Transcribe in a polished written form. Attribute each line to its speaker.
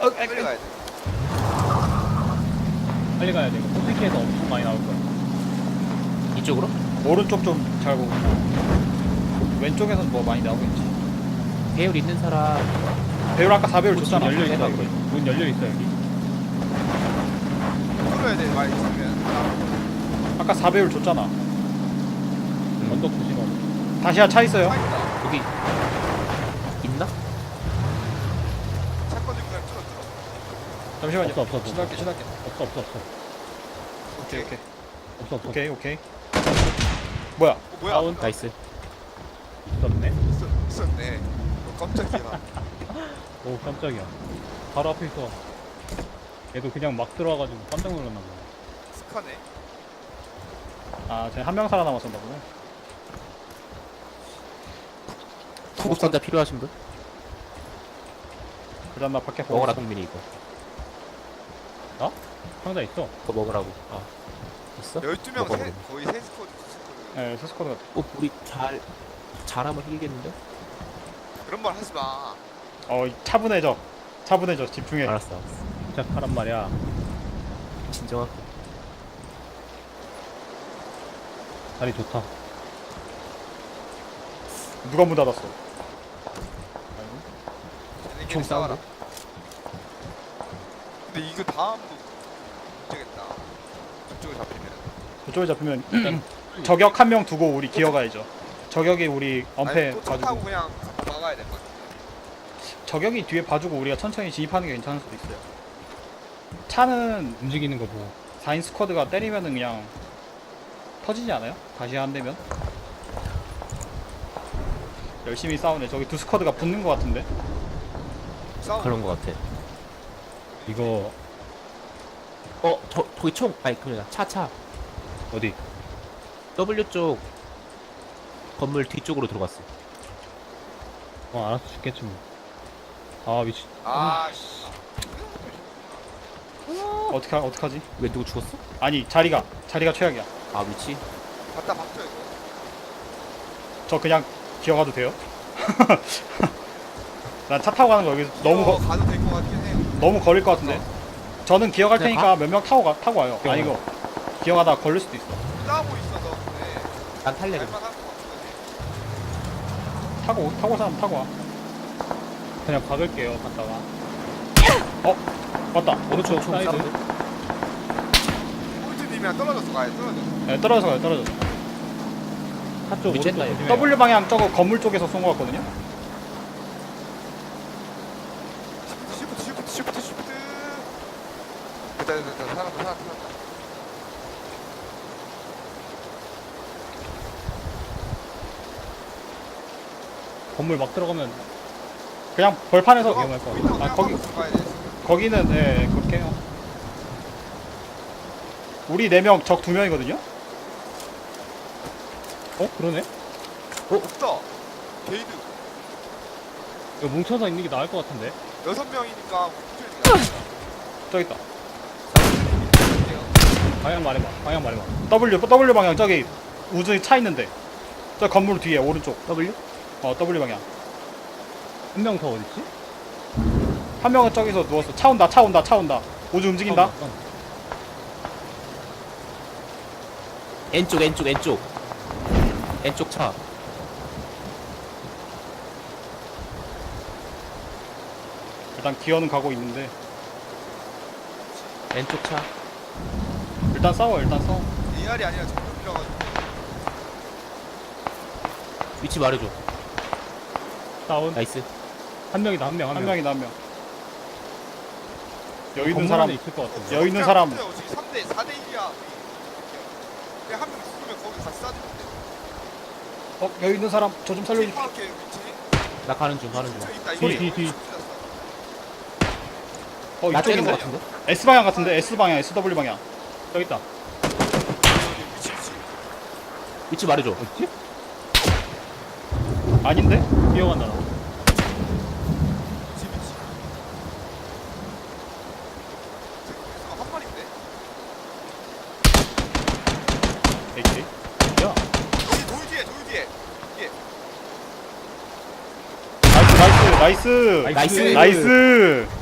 Speaker 1: 빨리 가야 돼.
Speaker 2: 빨리 가야 돼. 포트키에서 엄청 많이 나올 거야.
Speaker 3: 이쪽으로?
Speaker 4: 오른쪽 좀 잘 보고 왼쪽에서는 뭐 많이 나오겠지.
Speaker 3: 배율 있는 사람.
Speaker 4: 배율 아까 4배율
Speaker 2: 문
Speaker 4: 줬잖아.
Speaker 2: 열려 있어.
Speaker 3: 해봐,
Speaker 2: 여기. 문 열려 있어 여기.
Speaker 1: 풀어야 돼. 많이 있으면.
Speaker 4: 아까 4배율 줬잖아.
Speaker 2: 언덕 조심하고.
Speaker 4: 다시야 차 있어요.
Speaker 1: 차 있다.
Speaker 3: 여기 있나?
Speaker 1: 차권 들고 그냥 뚫어.
Speaker 4: 잠시만요.
Speaker 2: 없어.
Speaker 4: 신할게.
Speaker 2: 없어.
Speaker 4: 오케이.
Speaker 2: 없어.
Speaker 4: 오케이. 뭐야?
Speaker 1: 뭐야?
Speaker 2: 다운.
Speaker 3: 나이스.
Speaker 2: 있었네.
Speaker 1: 있었네. 깜짝이야.
Speaker 2: 오 깜짝이야. 바로 앞에 있어. 얘도 그냥 막 들어와가지고 깜짝 놀랐나 보네.
Speaker 1: 스카네.
Speaker 4: 아, 쟤 한 명 살아남았었나 보네.
Speaker 3: 구급 상자 필요하신 분?
Speaker 4: 그다음 나 밖에 보고
Speaker 3: 먹어라
Speaker 4: 있어.
Speaker 3: 동민이 이거.
Speaker 2: 상자 있어.
Speaker 3: 그거 먹으라고. 아 있어?
Speaker 1: 12명
Speaker 3: 먹어야
Speaker 1: 세,
Speaker 3: 돼.
Speaker 1: 거의 세 스쿼드, 두 스쿼드.
Speaker 4: 네, 스스쿼드 같아.
Speaker 3: 우리 잘하면 이기겠는데?
Speaker 1: 그런 말 하지 마.
Speaker 4: 차분해져. 집중해.
Speaker 3: 알았어.
Speaker 2: 시작하란 말이야.
Speaker 3: 진정하고.
Speaker 2: 자리 좋다.
Speaker 4: 누가 문 닫았어?
Speaker 1: 얘네끼리
Speaker 3: 총
Speaker 1: 싸워라.
Speaker 3: 싸우고.
Speaker 1: 근데 이거 다음도 문제겠다. 저쪽에 잡히면.
Speaker 4: 그쪽에 잡히면 저격 한 명 두고 우리 기어가야죠. 저격이 우리 엄폐
Speaker 1: 아니, 또차 타고
Speaker 4: 봐주고
Speaker 1: 그냥 막아야 될 것 같아.
Speaker 4: 저격이 뒤에 봐주고 우리가 천천히 진입하는 게 괜찮을 수도 있어요. 차는
Speaker 2: 움직이는 거 보고.
Speaker 4: 4인 스쿼드가 때리면은 그냥 터지지 않아요? 다시 안 되면? 열심히 싸우네. 저기 두 스쿼드가 붙는 것 같은데?
Speaker 1: 싸우.
Speaker 3: 그런 거 같아.
Speaker 2: 이거
Speaker 3: 저기 총. 아니 그냥 차.
Speaker 2: 어디?
Speaker 3: W 쪽 건물 뒤쪽으로 들어갔어.
Speaker 2: 알아서 죽겠지 뭐. 아 미친.
Speaker 1: 아, 씨.
Speaker 4: 어떡하지?
Speaker 3: 왜 누구 죽었어?
Speaker 4: 아니 자리가 최악이야.
Speaker 3: 아 위치?
Speaker 1: 갖다 박죠, 이거.
Speaker 4: 저 그냥 기어가도 돼요? 난 차 타고 가는 거 여기
Speaker 1: 이거 가도 될 것 같긴 해.
Speaker 4: 너무 거릴 것 같은데? 저는 기어갈
Speaker 3: 그냥
Speaker 4: 테니까 몇 명 타고 와요.
Speaker 2: 기어가.
Speaker 4: 아니 이거 기어가다가 걸릴 수도 있어.
Speaker 1: 싸우고 있어서. 네.
Speaker 3: 난 탈래 그냥.
Speaker 1: 할만한 것 같은데.
Speaker 4: 타고 사람 타고 와.
Speaker 2: 그냥 박을게요. 갔다가.
Speaker 4: 맞다.
Speaker 2: 오른쪽
Speaker 3: 총
Speaker 2: 사이드.
Speaker 3: 사운드.
Speaker 1: 폴트님이랑 떨어져서 가야 돼, 떨어져.
Speaker 4: 네, 떨어져서 가요. 떨어져서.
Speaker 2: 한쪽 오른쪽
Speaker 3: 미쳤다, 얘.
Speaker 2: 조심해요.
Speaker 4: W 방향 저거 건물 쪽에서 쏜 것 같거든요.
Speaker 1: 쉬프트. 됐다. 살았다.
Speaker 2: 건물 막 들어가면
Speaker 4: 그냥 벌판에서
Speaker 2: 위험할 것 같아.
Speaker 1: 가야 돼.
Speaker 4: 거기는 네 그렇게 해요. 우리 4명 적 2명이거든요.
Speaker 2: 그러네?
Speaker 1: 없다. 게이드.
Speaker 2: 이거 뭉쳐서 있는 게 나을 것 같은데.
Speaker 1: 6명이니까
Speaker 4: 저기 있다.
Speaker 2: 방향 말해봐.
Speaker 4: W 방향 저기 우주에 차 있는데. 저 건물 뒤에 오른쪽.
Speaker 3: W?
Speaker 4: W 방향.
Speaker 2: 한 명 더 어딨지?
Speaker 4: 한 명은 저기서 누웠어. 차 온다. 우주 움직인다.
Speaker 3: N쪽 차.
Speaker 4: 일단 기어는 가고 있는데
Speaker 3: N쪽 차.
Speaker 4: 일단 싸워.
Speaker 1: AR이 아니라 정글이라가지고.
Speaker 3: 위치 말해줘.
Speaker 2: 다운.
Speaker 3: 나이스.
Speaker 2: 한 명이다. 한
Speaker 4: 한
Speaker 2: 명.
Speaker 4: 명이다 한 명. 여기 있는
Speaker 2: 건물
Speaker 4: 사람
Speaker 2: 안에 있을 것 같은데.
Speaker 4: 여기 있는 사람.
Speaker 1: 지금 3대 4대 1이야. 그냥 한 명 죽으면 거기 같이 쏴주면 돼.
Speaker 4: 여기 있는 사람 저 좀 살려주세요.
Speaker 1: 파악해 위치.
Speaker 3: 나 가는 중.
Speaker 1: 있다.
Speaker 2: 뒤.
Speaker 3: 나 째는
Speaker 4: 이쪽인데?
Speaker 3: 거 같은데?
Speaker 4: S 방향 같은데? S 방향, SW 방향.
Speaker 2: 저기 있다.
Speaker 1: 위치.
Speaker 3: 위치 말해줘.
Speaker 2: 어딨지?
Speaker 4: 아닌데?
Speaker 2: 뛰어간다 나.
Speaker 1: 위치. 한 마리인데?
Speaker 4: AK.
Speaker 2: 야.
Speaker 1: 여기 돌 뒤에. 이게.
Speaker 4: 나이스.
Speaker 3: 나이스.
Speaker 4: 나이스.